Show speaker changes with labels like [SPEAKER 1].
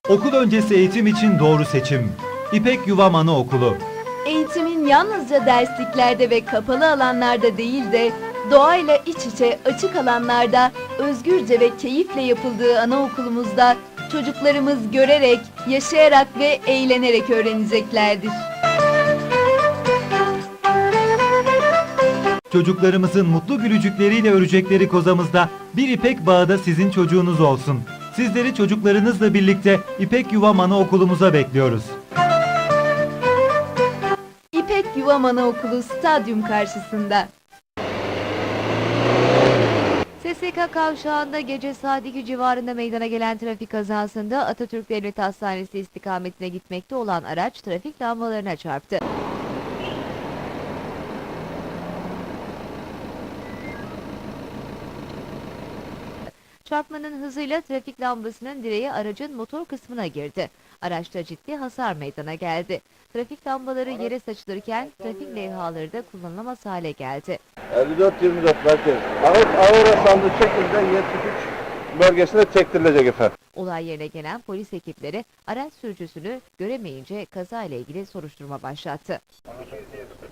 [SPEAKER 1] Okul öncesi eğitim için doğru seçim. İpek Yuvam Anaokulu.
[SPEAKER 2] Eğitimin yalnızca dersliklerde ve kapalı alanlarda değil de doğayla iç içe açık alanlarda özgürce ve keyifle yapıldığı anaokulumuzda çocuklarımız görerek, yaşayarak ve eğlenerek öğreneceklerdir.
[SPEAKER 1] Çocuklarımızın mutlu gülücükleriyle örecekleri kozamızda bir İpek bağı da sizin çocuğunuz olsun. Sizleri çocuklarınızla birlikte İpek Yuvam Anaokulumuza bekliyoruz.
[SPEAKER 2] İpek Yuvam Anaokulu stadyum karşısında.
[SPEAKER 3] SSK kavşağında gece saat 2 civarında meydana gelen trafik kazasında Atatürk Devlet Hastanesi istikametine gitmekte olan araç trafik lambalarına çarptı. Çarpmanın hızıyla trafik lambasının direği aracın motor kısmına girdi. Araçta ciddi hasar meydana geldi. Trafik lambaları yere saçılırken trafik levhaları da kullanılamaz hale geldi.
[SPEAKER 4] 54-24 merkez. Ağır hasarlı şekilde 73 bölgesine çektirilecek efendim.
[SPEAKER 3] Olay yerine gelen polis ekipleri araç sürücüsünü göremeyince kaza ile ilgili soruşturma başlattı.